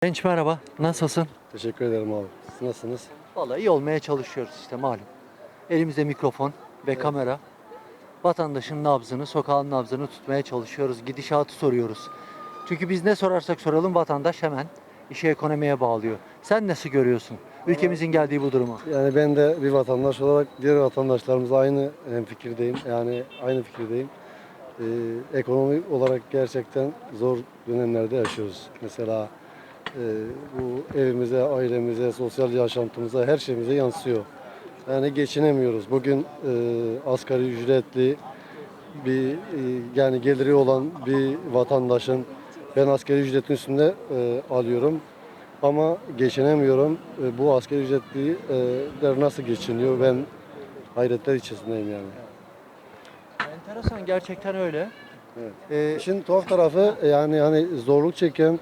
Genç merhaba, nasılsın? Teşekkür ederim abi. Siz nasılsınız? Vallahi iyi olmaya çalışıyoruz işte malum. Elimizde mikrofon ve kamera. Vatandaşın nabzını, sokağın nabzını tutmaya çalışıyoruz. Gidişatı soruyoruz. Çünkü biz ne sorarsak soralım vatandaş hemen işi ekonomiye bağlıyor. Sen nasıl görüyorsun ülkemizin geldiği bu durumu? Yani ben de bir vatandaş olarak diğer vatandaşlarımızla aynı fikirdeyim. Yani aynı fikirdeyim. Ekonomi olarak gerçekten zor dönemlerde yaşıyoruz. Mesela bu evimize, ailemize, sosyal yaşantımıza, her şeyimize yansıyor. Yani geçinemiyoruz. Bugün asgari ücretli bir yani geliri olan bir vatandaşın ben asgari ücretin üstünde alıyorum. Ama geçinemiyorum. Bu asgari ücretliler nasıl geçiniyor? Ben hayretler içerisindeyim yani. Enteresan gerçekten öyle. Evet. Ee, İşin tuhaf tarafı yani hani zorluk çeken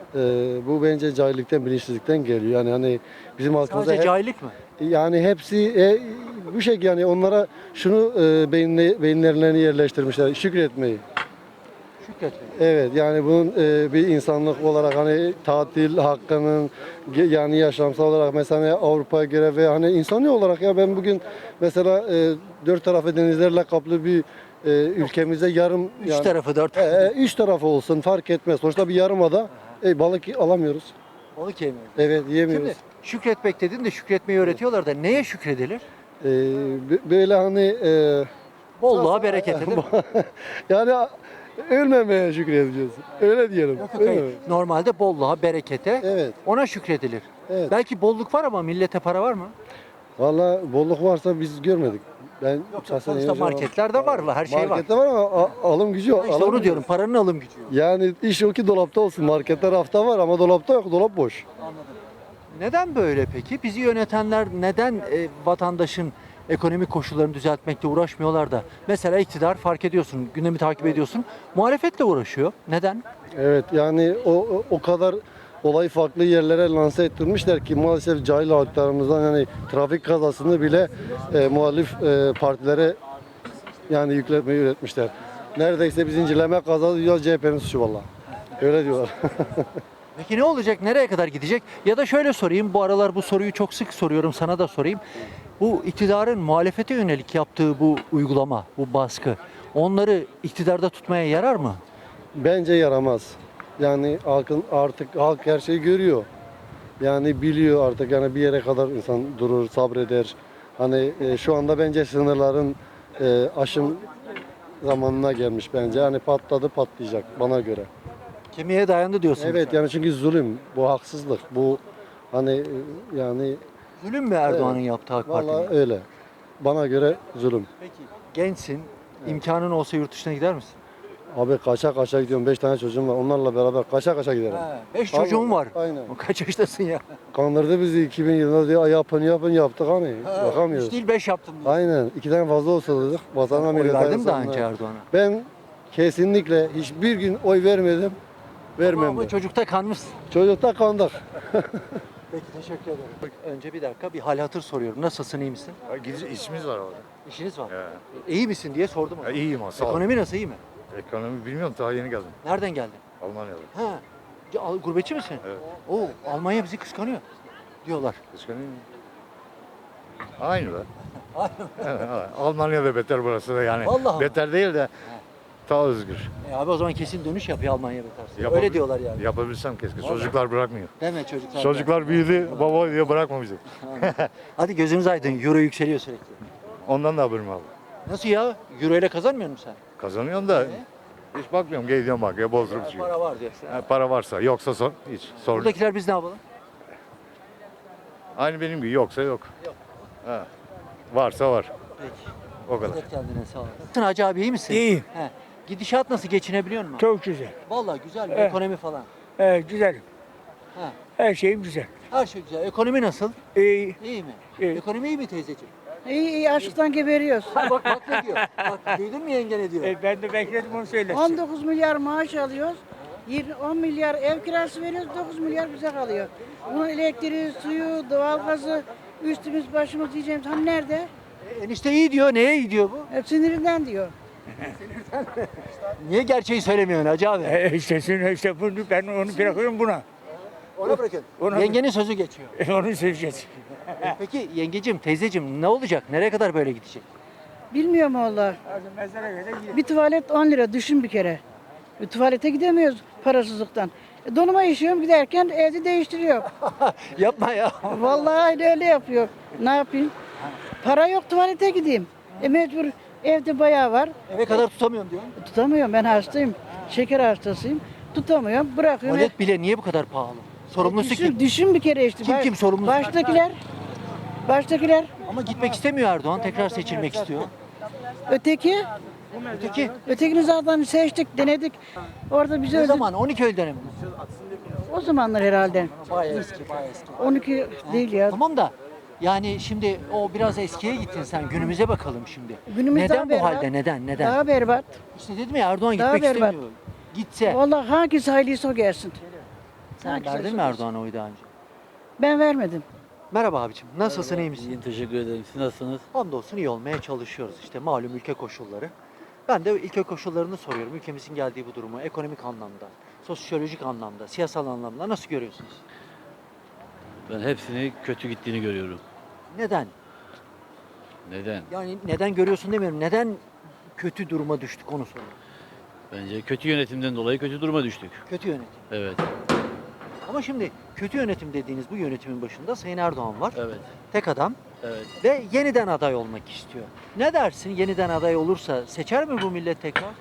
bu bence cahillikten, bilinçsizlikten geliyor. Yani hani bizim halkımızda sadece cahillik mi? yani hepsi bu şey yani onlara şunu beyinlerine yerleştirmişler. Şükretmeyi. Şükretmeyin. Evet yani bunun bir insanlık olarak hani tatil hakkının yani yaşamsal olarak mesela Avrupa'ya göre ve hani insani olarak ya ben bugün mesela dört tarafı denizlerle kaplı bir ülkemize yarım Üç tarafı dört. üç tarafı olsun fark etmez. Sonuçta bir yarımada balık alamıyoruz. Balık yemiyoruz. Evet yiyemiyoruz. Şimdi şükretmek dedin de şükretmeyi öğretiyorlar da neye şükredilir? E, Böyle hani Bolluğa, berekete değil mi? yani ölmemeye şükredeceğiz. Öyle diyelim. Yok yok Öyle hayır. mi? Normalde bolluğa, berekete Evet. ona şükredilir. Evet. Belki bolluk var ama millete para var mı? Valla bolluk varsa biz görmedik. Ben şahsen Sonuçta yaşamam. marketlerde var, her şey var. Markette var ama alım gücü yok. İşte onu alamıyoruz. diyorum, paranın alım gücü yok. Yani iş o ki dolapta olsun. Markette rafta var ama dolapta yok. Dolap boş. Neden böyle peki? Bizi yönetenler neden vatandaşın ekonomik koşullarını düzeltmekle uğraşmıyorlar da? Mesela iktidar fark ediyorsun, gündemi takip ediyorsun, muhalefetle uğraşıyor. Neden? Evet yani o kadar olayı farklı yerlere lanse ettirmişler ki maalesef cahil halklarımızdan yani trafik kazasını bile muhalif partilere yani yükletmeyi üretmişler. Neredeyse bir zincirleme kaza diyor CHP'nin suçu valla. Öyle diyorlar. Peki ne olacak? Nereye kadar gidecek? Ya da şöyle sorayım, bu aralar bu soruyu çok sık soruyorum, sana da sorayım. Bu iktidarın muhalefete yönelik yaptığı bu uygulama, bu baskı, onları iktidarda tutmaya yarar mı? Bence yaramaz. Yani artık halk her şeyi görüyor. Yani biliyor artık yani bir yere kadar insan durur, sabreder. Hani şu anda bence sınırların aşım zamanına gelmiş bence. Hani patladı patlayacak bana göre. Kemiğe dayandı diyorsun. Evet yani çünkü zulüm, bu haksızlık, bu hani yani Zulüm mü Erdoğan'ın yaptığı AK vallahi Parti'nin? öyle. Bana göre zulüm. Peki gençsin, imkanın olsa yurt dışına gider misin? Abi kaça kaça gidiyorum. 5 tane çocuğum var. Onlarla beraber kaça kaça giderim. 5 çocuğum var. Aynen. Kaç yaştasın ya? Kandırdı bizi 2000 yılında diye yapın yaptık hani. Bakamıyoruz. 3 değil 5 yaptım diyor. Aynen. 2 tane fazla olsa dedik. Vatana Oy millete verdim daha insanlara. önce Erdoğan'a. Ben kesinlikle hiçbir gün oy vermedim. Vermem Ama de. çocukta kanmışsın. Çocukta kandık. Peki teşekkür ederim. Önce bir dakika bir hal hatır soruyorum. Nasılsın, iyi misin? İşimiz var orada. İşiniz var. Ya. İyi misin diye sordum. Ya iyiyim sağ ol. Ekonomi nasıl, iyi mi? Ekonomi bilmiyorum daha yeni geldim. Nereden geldin? Almanya'da. Ha. Gurbetçi misin? Evet. Oo, Almanya bizi kıskanıyor diyorlar. Kıskanıyor. Aynı da. Evet, Almanya'da beter burası da yani. Vallahi. Beter değil de daha özgür. Abi o zaman kesin dönüş yapıyor Almanya beterse. Yapabil- Öyle diyorlar yani. Yapabilsem keşke. Vallahi. Çocuklar bırakmıyor. Deme çocuklar. Çocuklar büyüdü, baba diye bırakma bizi. Hadi gözünüz aydın. Euro yükseliyor sürekli. Ondan da haberim aldım. Nasıl ya? Euro ile kazanmıyor musun sen? Kazanıyorum da hiç bakmıyorum. Gidiyorum bak ya bozdurup çıkıyor. Para var diyorsun. Para varsa, yoksa hiç sorun. yok. Buradakiler biz ne yapalım? Aynı benim gibi yoksa yok. Ha. Varsa var. Peki. O kadar. Dikkat kendine sağ olasın. Nasılsın Hacı abi, iyi misin? İyiyim. He. Gidişat nasıl, geçinebiliyor musun? Çok güzel. Vallahi güzel mi? Evet. Ekonomi falan. Güzel. Ha. Her şeyim güzel. Her şey güzel. Ekonomi nasıl? İyi. İyi mi? İyi. Ekonomi iyi mi teyzeciğim? İyi iyi açlıktan geberiyoruz. Ha, bak ne diyor. Bak duydun mu yenge ne diyor? Ben de bekledim onu söylesin. 19 milyar maaş alıyoruz. 10 milyar ev kirası veriyoruz. 9 milyar bize kalıyor. Bunun elektriği, suyu, doğalgazı, üstümüz başımız diyeceğimiz hani nerede? Enişte iyi diyor. Neye iyi diyor bu? Hep sinirinden diyor. Niye gerçeği söylemiyorsun Hacı abi? İşte bunu ben onu bırakıyorum buna. Ona bırakın. Ona- Yengenin sözü geçiyor. Onu söyleyeceğiz. Peki yengecim, teyzecim ne olacak? Nereye kadar böyle gidecek? Bilmiyorum valla. Mezara göre gidiyor. Bir tuvalet 10 lira düşün bir kere. Bir tuvalete gidemiyoruz parasızlıktan. Donuma işiyorum giderken evde değiştiriyor. Yapma ya. Vallahi öyle yapıyor. Ne yapayım? Para yok tuvalete gideyim. Mecbur evde bayağı var. Eve kadar tutamıyorum diyor. Tutamıyorum ben hastayım. Şeker hastasıyım. Tutamıyorum bırakıyorum. Tuvalet bile niye bu kadar pahalı? Sorumlusu kim? Düşün bir kere işte. Kim sorumlusu? Baştakiler. Baştakiler. Ama gitmek istemiyor Erdoğan. Tekrar seçilmek istiyor. Öteki. Öteki Ötekini zaten seçtik, denedik. Orada bizi ne öldü. zaman? 12 Eylül dönemi. O zamanlar herhalde. Bayağı eski, bayağı eski. 12 değil ya. Tamam da yani şimdi o biraz eskiye gittin sen. Günümüze bakalım şimdi. Günümüz Neden daha bu berbat. halde? Neden? Daha berbat. İşte dedim ya Erdoğan Daha gitmek berbat. istemiyor. Gitse. Vallahi hangisi hayırlıysa o gelsin. Sen Hangisi verdin mi hayırlısı o Erdoğan'a oyu daha önce? gelsin. Ben vermedim. Merhaba abicim. Nasılsın, iyi misin? İyiyim, teşekkür ederim. Siz nasılsınız? Hamdolsun iyi olmaya çalışıyoruz. İşte malum ülke koşulları. Ben de ülke koşullarını soruyorum. Ülkemizin geldiği bu durumu ekonomik anlamda, sosyolojik anlamda, siyasal anlamda nasıl görüyorsunuz? Ben hepsini kötü gittiğini görüyorum. Neden? Neden? Yani neden görüyorsun demiyorum. Neden kötü duruma düştük onu soruyorum. Bence kötü yönetimden dolayı kötü duruma düştük. Kötü yönetim. Evet, Ama şimdi kötü yönetim dediğiniz bu yönetimin başında Sayın Erdoğan var. evet, Tek adam evet. ve yeniden aday olmak istiyor. Ne dersin? Yeniden aday olursa seçer mi bu millet tekrar?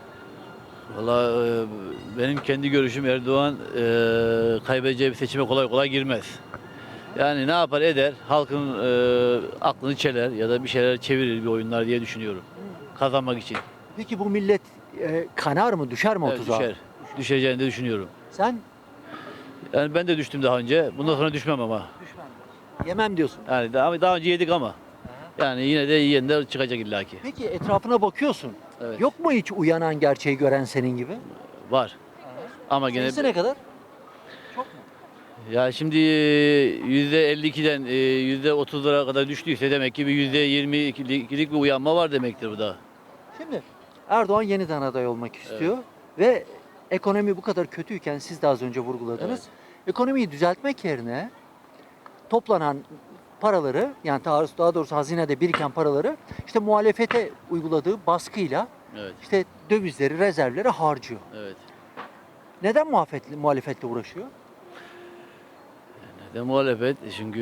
Valla benim kendi görüşüm Erdoğan kaybedeceği bir seçime kolay kolay girmez. Yani ne yapar eder, halkın aklını çeler ya da bir şeyler çevirir bir oyunlar diye düşünüyorum. Kazanmak için. Peki bu millet kanar mı, düşer mi o Evet, tuzağa? düşer. Düşeceğini de düşünüyorum. Sen Yani ben de düştüm daha önce. Bundan sonra düşmem ama. yemem diyorsun. Yani daha önce yedik ama. Yani yine de yiyenler çıkacak illaki. Peki etrafına bakıyorsun. Evet. Yok mu hiç uyanan gerçeği gören senin gibi? Var. Ama gene Sayısı ne kadar? ya şimdi %52'den %30'lara kadar düştüyse demek ki bir %22'lik bir uyanma var demektir bu da. Şimdi Erdoğan yeniden aday olmak istiyor ve ekonomi bu kadar kötüyken siz de az önce vurguladınız. Ekonomiyi düzeltmek yerine toplanan paraları yani daha doğrusu hazinede biriken paraları işte muhalefete uyguladığı baskıyla Evet. işte dövizleri, rezervleri harcıyor. Evet. Neden muhalefetle uğraşıyor? Neden muhalefet? Çünkü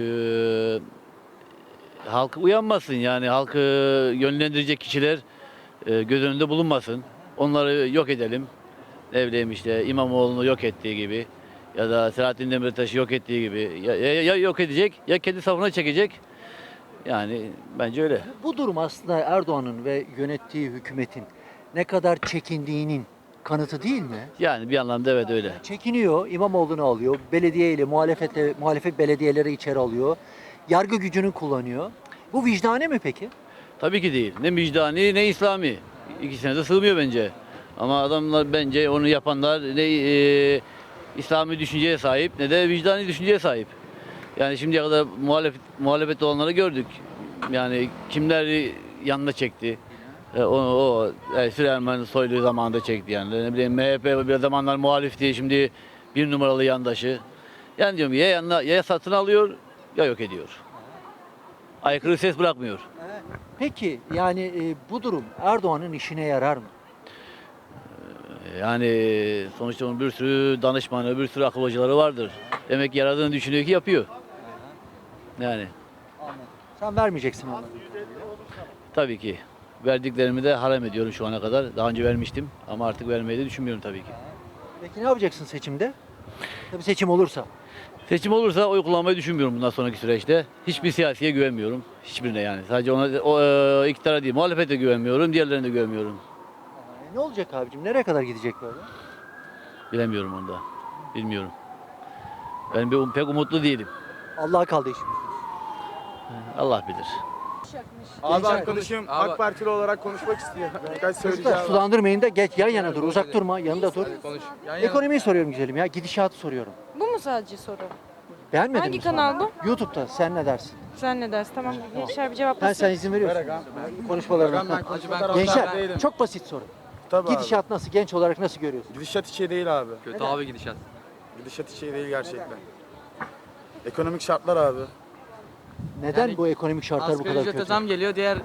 halk uyanmasın yani halkı yönlendirecek kişiler göz önünde bulunmasın. Onları yok edelim. Ne bileyim işte İmamoğlu'nu yok ettiği gibi ya da Selahattin Demirtaş'ı yok ettiği gibi ya yok edecek ya kendi safına çekecek. Yani bence öyle. Bu durum aslında Erdoğan'ın ve yönettiği hükümetin ne kadar çekindiğinin kanıtı değil mi? Yani bir anlamda evet öyle. Çekiniyor, İmamoğlu'nu alıyor, muhalefet belediyeleri içeri alıyor, yargı gücünü kullanıyor. Bu vicdani mi peki? Tabii ki değil. Ne vicdani ne İslami. İkisine de sığmıyor bence. Ama adamlar bence onu yapanlar ne İslami düşünceye sahip ne de vicdani düşünceye sahip. Yani şimdiye kadar muhalefette olanları gördük. Yani kimler yanına çekti. Süleyman Soylu zamanında çekti yani. Ne bileyim MHP bir zamanlar muhalifti. Şimdi bir numaralı yandaşı. Yani diyorum ya satın alıyor ya yok ediyor. Aykırı ses bırakmıyor. Peki yani bu durum Erdoğan'ın işine yarar mı? Yani sonuçta onun bir sürü danışmanı, bir sürü akıl hocaları vardır. Demek ki yaradığını düşünüyor ki yapıyor. Yani Sen vermeyeceksin onu. tabii ki. Verdiklerimi de harem ediyorum şu ana kadar. Daha önce vermiştim ama artık vermeyi de düşünmüyorum tabii ki. Peki ne yapacaksın seçimde? Tabii seçim olursa. Seçim olursa oy kullanmayı düşünmüyorum bundan sonraki süreçte. Hiçbir siyasiye güvenmiyorum. Hiçbirine yani. Sadece iktidara değil, muhalefete güvenmiyorum, diğerlerine de güvenmiyorum. Ne olacak abicim? Nereye kadar gidecek böyle? Bilemiyorum onu da. Bilmiyorum. Ben pek umutlu değilim. Allah'a kaldı işimiz. Allah bilir. Abi arkadaşım AK Partili olarak konuşmak istiyor. Birkaç söyleyeceğim. Çocuklar sulandırmayın da geç yan yana dur. Uzak durma. Yanında dur. Konuş. Ekonomiyi soruyorum güzelim ya. Gidişatı soruyorum. Bu mu sadece soru? Beğenmedin Hangi mi sen? kanal bu? YouTube'da. Sen ne dersin? Sen ne dersin? Tamam. Gençler bir Sen cevaplasın. izin veriyorsun. Konuşmalarına. Gençler çok basit soru. Tabii abi. Gidişat nasıl? Genç olarak nasıl görüyorsun? Gidişat hiç iyi değil abi. Kötü abi gidişat. Gidişat hiç iyi değil gerçekten. Ekonomik şartlar abi. Neden Yani bu ekonomik şartlar bu Asgari kadar ücrete kötü? zam geliyor, diğer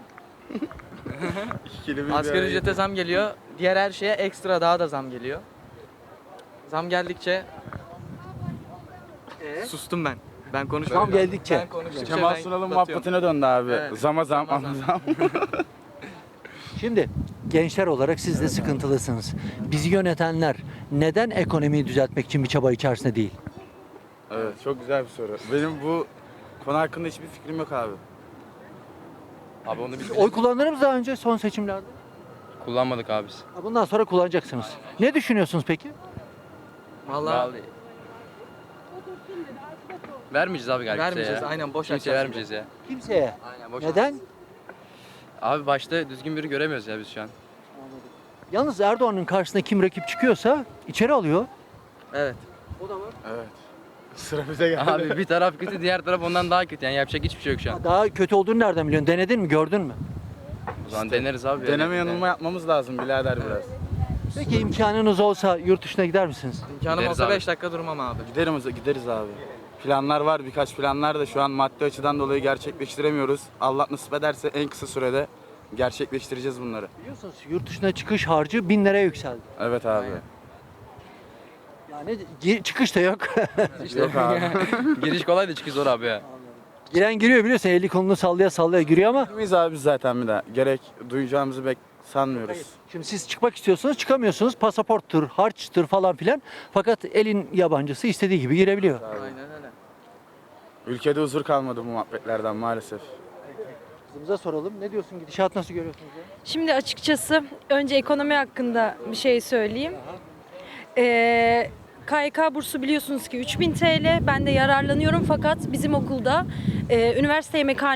asgari ücrete zam geliyor. Diğer her şeye ekstra daha da zam geliyor. Zam geldikçe sustum ben. Ben konuşuyorum. Zam geldikçe. Ben konuştukça Kemal ben Sunal'ın batıyorum. muhabbetine döndü abi. Evet. Zama zam, Zama ama zam. zam. Şimdi gençler olarak siz de sıkıntılısınız. Bizi yönetenler neden ekonomiyi düzeltmek için bir çaba içerisinde değil? Evet, çok güzel bir soru. Benim bu konu hakkında hiçbir fikrim yok abi. Abi onu biz Oy kullandınız mı daha önce son seçimlerde? kullanmadık abi biz. Bundan sonra kullanacaksınız. Ne düşünüyorsunuz peki? Vallahi Vermeyeceğiz abi galiba vermeyeceğiz. ya. Aynen boş Kimseye açacağız. vermeyeceğiz ya. Kimseye. Aynen boş. Neden? Abi başta düzgün biri göremiyoruz ya biz şu an. Yalnız Erdoğan'ın karşısına kim rakip çıkıyorsa içeri alıyor. Evet. Evet. Sıra bize geldi. Abi bir taraf kötü, diğer taraf ondan daha kötü. Yani yapacak hiçbir şey yok şu an. Daha kötü olduğunu nereden biliyorsun? Denedin mi? Gördün mü? O zaman deneriz abi. ya. Deneme yanılma yapmamız lazım birader biraz. Peki imkanınız olsa yurt dışına gider misiniz? İmkanım Gideriz olsa abi. 5 dakika durmam abi. Gideriz abi. Planlar var, birkaç planlar da şu an maddi açıdan dolayı gerçekleştiremiyoruz. Allah nasip ederse en kısa sürede gerçekleştireceğiz bunları. Biliyorsunuz yurt dışına çıkış harcı 1000 liraya yükseldi. Evet abi. Yani çıkış da yok. Yok abi. Giriş kolay da çıkış zor abi ya. Giren giriyor biliyorsun, eli kolunu sallaya sallaya giriyor ama Biz abi biz zaten bir daha. Gerek duyacağımızı sanmıyoruz. şimdi siz çıkmak istiyorsunuz, çıkamıyorsunuz. Pasaporttur, harçtır falan filan. Fakat elin yabancısı istediği gibi girebiliyor. Aynen öyle. Ülkede huzur kalmadı bu muhabbetlerden maalesef. Kızımıza soralım. Ne diyorsun? Gidişat nasıl görüyorsunuz ya? Şimdi açıkçası önce ekonomi hakkında bir şey söyleyeyim. KYK bursu biliyorsunuz ki 3000 TL. Ben de yararlanıyorum fakat bizim okulda üniversite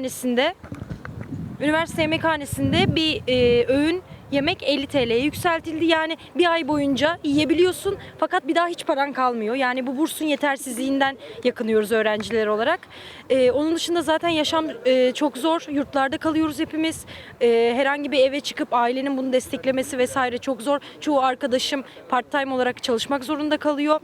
yemekhanesinde bir öğün yemek 50 TL'ye yükseltildi. Yani bir ay boyunca yiyebiliyorsun fakat bir daha hiç paran kalmıyor. Yani bu bursun yetersizliğinden yakınıyoruz öğrenciler olarak. Onun dışında zaten yaşam çok zor. Yurtlarda kalıyoruz hepimiz. Herhangi bir eve çıkıp ailenin bunu desteklemesi vesaire çok zor. Çoğu arkadaşım part-time olarak çalışmak zorunda kalıyor.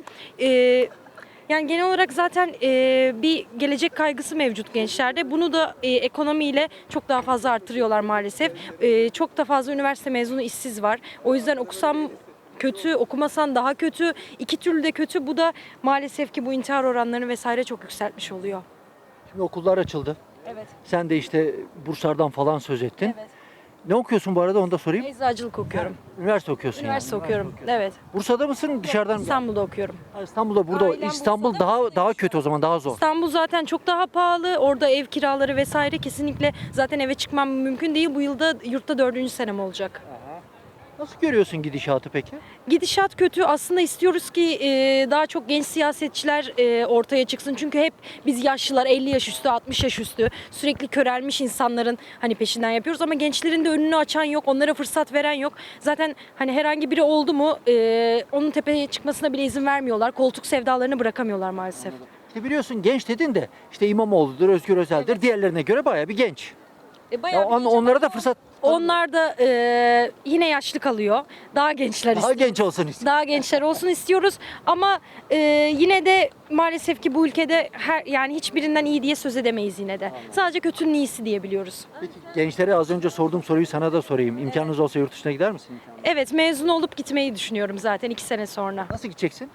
Yani genel olarak zaten bir gelecek kaygısı mevcut gençlerde. Bunu da ekonomiyle çok daha fazla arttırıyorlar maalesef. Çok da fazla üniversite mezunu işsiz var. O yüzden okusam kötü, okumasan daha kötü. İki türlü de kötü. Bu da maalesef ki bu intihar oranlarını vesaire çok yükseltmiş oluyor. Şimdi okullar açıldı. Evet. Sen de işte burslardan falan söz ettin. Evet. Ne okuyorsun bu arada, onu da sorayım. Eczacılık okuyorum. Üniversite okuyorsun Üniversite yani. okuyorum. Evet. Bursa'da mısın, dışarıdan mı? İstanbul'da okuyorum. Ha, İstanbul'da, burada. Ailem İstanbul Bursa'da, daha burada daha yaşıyor. kötü o zaman, daha zor. İstanbul zaten çok daha pahalı. Orada ev kiraları vesaire kesinlikle zaten eve çıkmam mümkün değil. Bu yılda yurtta 4. senem olacak. Nasıl görüyorsun gidişatı peki? Gidişat kötü. Aslında istiyoruz ki daha çok genç siyasetçiler ortaya çıksın. Çünkü hep biz yaşlılar 50 yaş üstü, 60 yaş üstü sürekli körelmiş insanların hani peşinden yapıyoruz. Ama gençlerin de önünü açan yok. Onlara fırsat veren yok. Zaten hani herhangi biri oldu mu onun tepeye çıkmasına bile izin vermiyorlar. Koltuk sevdalarını bırakamıyorlar maalesef. İşte biliyorsun, genç dedin de işte İmamoğlu'dur, Özgür Özel'dir. Diğerlerine göre bayağı bir genç. Bayağı bir genç Onlara ama da fırsat, onlar da yine yaşlı kalıyor. Daha gençler daha istiyoruz. genç olsun istiyor. Daha gençler olsun istiyoruz ama yine de maalesef ki bu ülkede yani hiçbirinden iyi diye söz edemeyiz yine de. Sadece kötünün iyisi diyebiliyoruz. Peki gençlere az önce sorduğum soruyu sana da sorayım. İmkanınız olsa yurt dışına gider misin? Evet, mezun olup gitmeyi düşünüyorum zaten 2 sene sonra. Nasıl gideceksin?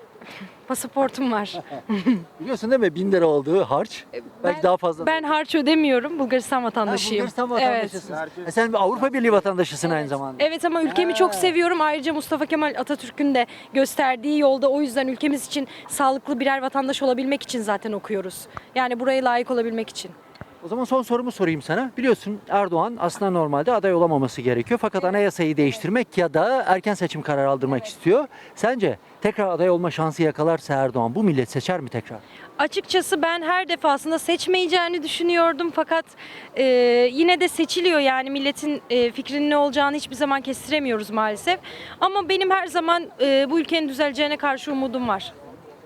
Pasaportum var. Biliyorsun değil mi? 1000 lira olduğu harç. Belki daha fazla. Ben harç ödemiyorum. Bulgaristan Ha, vatandaşıyım. Bulgaristan Evet. vatandaşısın. Sen bir Avrupa Birliği vatandaşısın aynı zamanda. Evet ama ülkemi çok seviyorum. Ayrıca Mustafa Kemal Atatürk'ün de gösterdiği yolda, o yüzden ülkemiz için sağlıklı birer vatandaş olabilmek için zaten okuyoruz. Yani buraya layık olabilmek için. O zaman son sorumu sorayım sana. Biliyorsun Erdoğan aslında normalde aday olamaması gerekiyor. Fakat anayasayı değiştirmek ya da erken seçim kararı aldırmak istiyor. Sence tekrar aday olma şansı yakalarsa Erdoğan, bu millet seçer mi tekrar? Açıkçası ben her defasında seçmeyeceğini düşünüyordum fakat yine de seçiliyor, yani milletin fikrinin ne olacağını hiçbir zaman kestiremiyoruz maalesef. Ama benim her zaman bu ülkenin düzeleceğine karşı umudum var.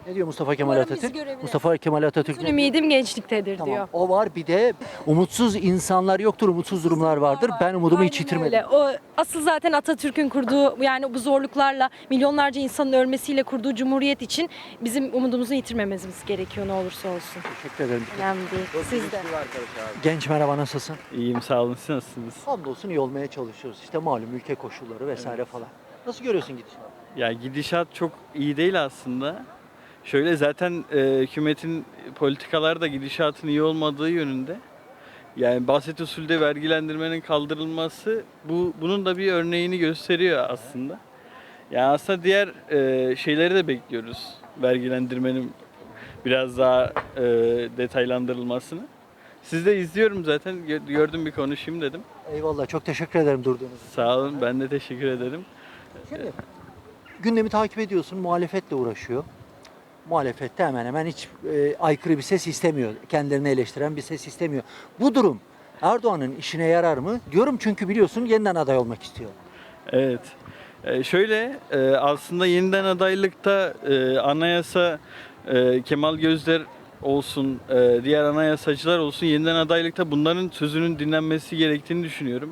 Ne diyor Mustafa Kemal Umarım bizi Atatürk? görebilir. Mustafa Kemal Atatürk Bütün ne diyor? ümidim gençliktedir Tamam. diyor. O var, bir de umutsuz insanlar yoktur, umutsuz durumlar vardır. Ben umudumu hiç Aynen yitirmedim. öyle. O asıl zaten Atatürk'ün kurduğu, yani bu zorluklarla milyonlarca insanın ölmesiyle kurduğu cumhuriyet için bizim umudumuzu yitirmememiz gerekiyor ne olursa olsun. Teşekkür ederim. Önemli değil. Siz de. Genç merhaba, nasılsın? İyiyim sağ olun. Siz nasılsınız? Hamdolsun iyi olmaya çalışıyoruz. İşte malum ülke koşulları vesaire falan. Nasıl görüyorsun gidişatı? Ya gidişat çok iyi değil aslında. Şöyle zaten hükümetin politikaları da gidişatın iyi olmadığı yönünde. Yani basit usulde vergilendirmenin kaldırılması bunun da bir örneğini gösteriyor aslında. Yani aslında diğer şeyleri de bekliyoruz. Vergilendirmenin biraz daha detaylandırılmasını. Siz de izliyorum zaten. Gördüm bir konuşayım dedim. Eyvallah, çok teşekkür ederim durduğunuz için. Sağ olun. Ben de teşekkür ederim. Şimdi gündemi takip ediyorsun, muhalefetle uğraşıyor. Muhalefette hemen hemen hiç aykırı bir ses istemiyor. Kendilerini eleştiren bir ses istemiyor. Bu durum Erdoğan'ın işine yarar mı? Diyorum çünkü biliyorsun yeniden aday olmak istiyor. Evet. Şöyle aslında yeniden adaylıkta anayasa Kemal Gözler olsun, diğer anayasacılar olsun yeniden adaylıkta bunların sözünün dinlenmesi gerektiğini düşünüyorum.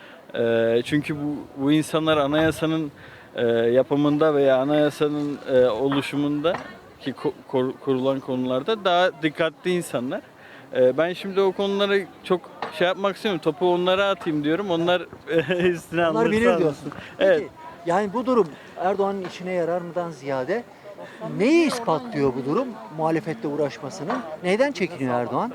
Çünkü bu insanlar anayasanın yapımında veya anayasanın oluşumunda ki kurulan konularda daha dikkatli insanlar. Ben şimdi o konulara çok şey yapmak istemiyorum. Topu onlara atayım diyorum. Onlar üstüne Onlar alırsa bilir alsın. diyorsun. Evet. Peki, yani bu durum Erdoğan'ın işine yarar mıdan ziyade neyi ispatlıyor bu durum muhalefetle uğraşmasının? Neyden çekiniyor Erdoğan?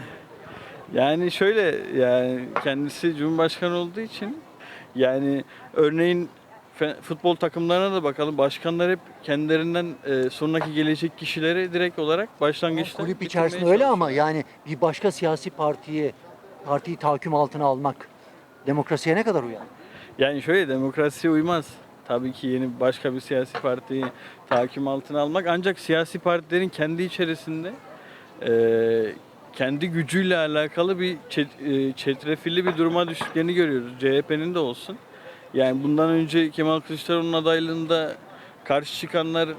Yani şöyle, yani kendisi Cumhurbaşkanı olduğu için yani örneğin futbol takımlarına da bakalım. Başkanlar hep kendilerinden sonraki gelecek kişileri direkt olarak başlangıçta Kulüp bitirmeye içerisinde öyle ama çalışıyor. yani bir başka siyasi partiyi tahakküm altına almak demokrasiye ne kadar uyar? Yani şöyle, demokrasiye uymaz. Tabii ki yeni başka bir siyasi partiyi tahakküm altına almak, ancak siyasi partilerin kendi içerisinde kendi gücüyle alakalı bir çetrefilli bir duruma düştüklerini görüyoruz. CHP'nin de olsun. Yani bundan önce Kemal Kılıçdaroğlu'nun adaylığında karşı çıkanlar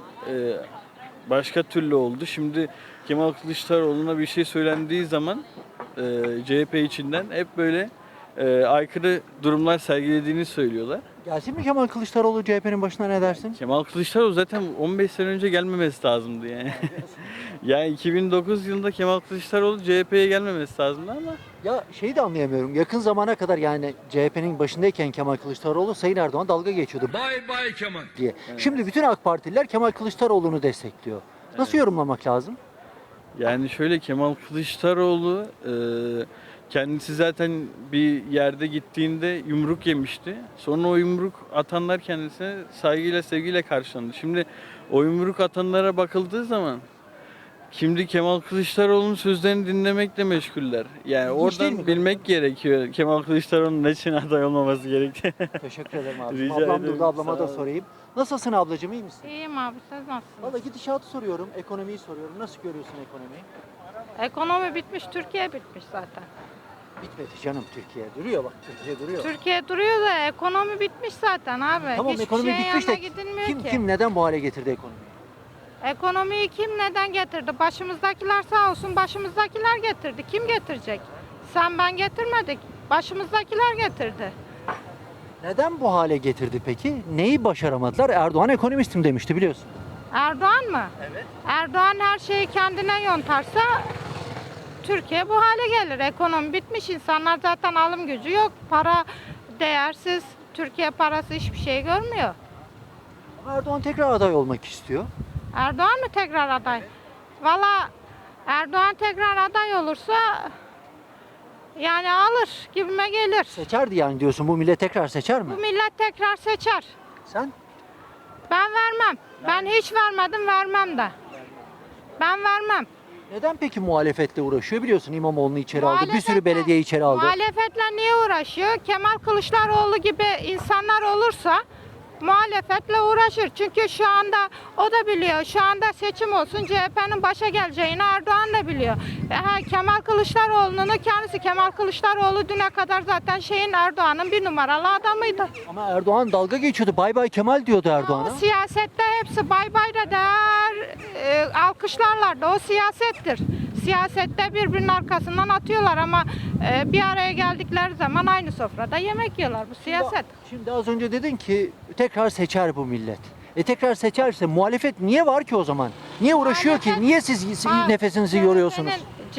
başka türlü oldu. Şimdi Kemal Kılıçdaroğlu'na bir şey söylendiği zaman CHP içinden hep böyle aykırı durumlar sergilediğini söylüyorlar. Gelsin mi Kemal Kılıçdaroğlu CHP'nin başına, ne dersin? Kemal Kılıçdaroğlu zaten 15 sene önce gelmemesi lazımdı yani. Yani 2009 yılında Kemal Kılıçdaroğlu CHP'ye gelmemesi lazımdı ama Ya şeyi de anlayamıyorum. Yakın zamana kadar yani CHP'nin başındayken Kemal Kılıçdaroğlu Sayın Erdoğan dalga geçiyordu. Bay bay Kemal diye. Şimdi bütün AK Partililer Kemal Kılıçdaroğlu'nu destekliyor. Nasıl yorumlamak lazım? yani şöyle, Kemal Kılıçdaroğlu kendisi zaten bir yerde gittiğinde yumruk yemişti. Sonra o yumruk atanlar kendisine saygıyla sevgiyle karşılandı. Şimdi o yumruk atanlara bakıldığı zaman şimdi Kemal Kılıçdaroğlu'nun sözlerini dinlemekle meşguller. Yani İlginç değil mi? oradan bilmek gerekiyor Kemal Kılıçdaroğlu'nun ne için aday olmaması gerektiği. Teşekkür ederim abi. Rica Ablam ederim, durdu, ablama sağ da olun. sorayım. Nasılsın ablacığım, iyi misin? İyiyim abi, siz nasılsınız? Valla gidişatı soruyorum, ekonomiyi soruyorum. Nasıl görüyorsun ekonomiyi? Ekonomi bitmiş, Türkiye bitmiş zaten. Bitmedi canım Türkiye. Duruyor bak, Türkiye duruyor. Türkiye duruyor da ekonomi bitmiş zaten abi. Tamam, Hiçbir ekonomi şeyin bitmiş de yanına gidilmiyor ki. kim neden bu hale getirdi ekonomiyi? Ekonomiyi kim neden getirdi? Başımızdakiler sağ olsun, başımızdakiler getirdi. Kim getirecek? Sen ben getirmedik. Başımızdakiler getirdi. Neden bu hale getirdi peki? Neyi başaramadılar? Erdoğan ekonomistim demişti biliyorsun. Erdoğan mı? Evet. Erdoğan her şeyi kendine yontarsa Türkiye bu hale gelir. Ekonomi bitmiş. İnsanlar zaten alım gücü yok. Para değersiz. Türkiye parası hiçbir şey görmüyor. Ama Erdoğan tekrar aday olmak istiyor. Erdoğan mı tekrar aday? Valla Erdoğan tekrar aday olursa yani alır gibime gelir. Seçerdi yani diyorsun. Bu millet tekrar seçer mi? Bu millet tekrar seçer. Sen? Ben vermem. Ben hiç vermedim, vermem de. Ben vermem. Neden peki muhalefetle uğraşıyor? Biliyorsun İmamoğlu'nu içeri aldı. Bir sürü Muhalefetle- belediye içeri aldı. Muhalefetle niye uğraşıyor? Kemal Kılıçdaroğlu gibi insanlar olursa muhalefetle uğraşır. Çünkü şu anda o da biliyor. Şu anda seçim olsun CHP'nin başa geleceğini Erdoğan da biliyor. Kemal Kılıçdaroğlu'nun kendisi, Kemal Kılıçdaroğlu düne kadar zaten Erdoğan'ın bir numaralı adamıydı. Ama Erdoğan dalga geçiyordu. Bay bay Kemal diyordu Erdoğan'a. O siyasette hepsi bay bay da der, alkışlarlar da o siyasettir. Siyasette birbirinin arkasından atıyorlar ama bir araya geldikleri zaman aynı sofrada yemek yiyorlar. Bu siyaset. Şimdi az önce dedin ki tekrar seçer bu millet. Tekrar seçerse muhalefet niye var ki o zaman? Niye uğraşıyor ki? Niye siz nefesinizi yoruyorsunuz?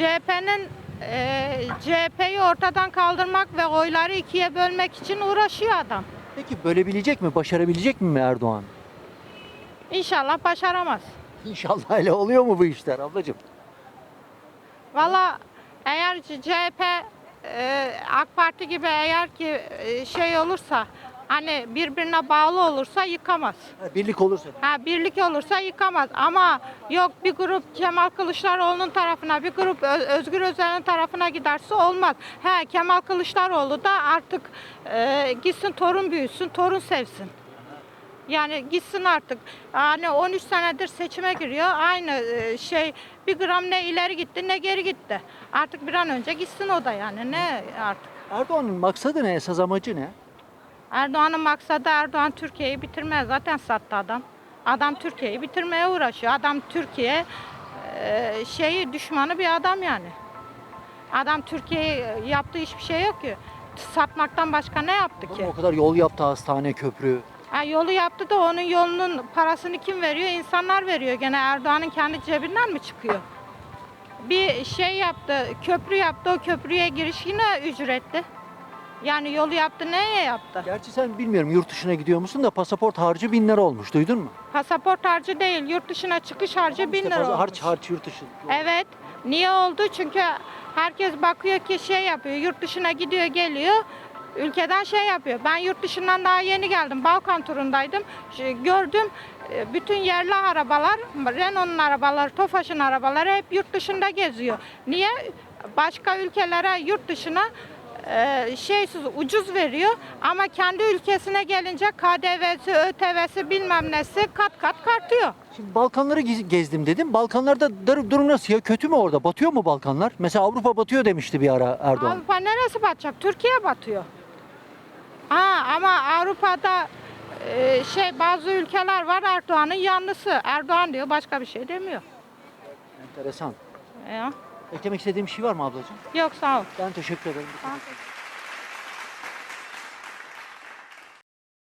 CHP'yi ortadan kaldırmak ve oyları ikiye bölmek için uğraşıyor adam. Peki bölebilecek mi? Başarabilecek mi Erdoğan? İnşallah başaramaz. İnşallah öyle oluyor mu bu işler ablacığım? Valla eğer CHP AK Parti gibi eğer ki olursa hani birbirine bağlı olursa yıkamaz. Birlik olursa. Birlik olursa yıkamaz ama yok bir grup Kemal Kılıçdaroğlu'nun tarafına bir grup Özgür Özel'in tarafına giderse olmaz. Kemal Kılıçdaroğlu da artık gitsin torun büyüsün, torun sevsin. Yani gitsin artık. Hani 13 senedir seçime giriyor. Aynı bir gram ne ileri gitti ne geri gitti. Artık bir an önce gitsin o da yani ne artık. Erdoğan'ın maksadı ne? Esas amacı ne? Erdoğan'ın maksadı Erdoğan Türkiye'yi bitirmeye zaten sattı adam. Adam Türkiye'yi bitirmeye uğraşıyor. Adam Türkiye düşmanı bir adam yani. Adam Türkiye'ye yaptığı hiçbir şey yok ki. Satmaktan başka ne yaptı ki? O kadar yol yaptı, hastane, köprü. Yolu yaptı da onun yolunun parasını kim veriyor? İnsanlar veriyor. Gene Erdoğan'ın kendi cebinden mi çıkıyor? Bir yaptı, köprü yaptı. O köprüye giriş yine ücretli. Yani yolu yaptı, neye yaptı? Gerçi sen bilmiyorum yurt dışına gidiyor musun da pasaport harcı 1000 lira olmuş. Duydun mu? Pasaport harcı değil, yurt dışına çıkış harcı 1000 lira olmuş. Harç yurt dışı. Evet. Niye oldu? Çünkü herkes bakıyor ki yapıyor. Yurt dışına gidiyor, geliyor. Ülkeden yapıyor. Ben yurt dışından daha yeni geldim. Balkan turundaydım. Gördüm bütün yerli arabalar, Renault'un arabaları, Tofaş'ın arabaları hep yurt dışında geziyor. Niye? Başka ülkelere, yurt dışına ucuz veriyor ama kendi ülkesine gelince KDV'si, ÖTV'si bilmem nesi kat kat artıyor. Şimdi Balkanları gezdim dedim. Balkanlarda durum nasıl ya? Kötü mü orada? Batıyor mu Balkanlar? Mesela Avrupa batıyor demişti bir ara Erdoğan. Avrupa neresi batacak? Türkiye batıyor. Ama Avrupa'da bazı ülkeler var Erdoğan'ın yanlısı. Erdoğan diyor, başka bir şey demiyor. Enteresan. Ya. Eklemek istediğim bir şey var mı ablacığım? Yok, sağ ol. Ben teşekkür ederim. Sağ ol.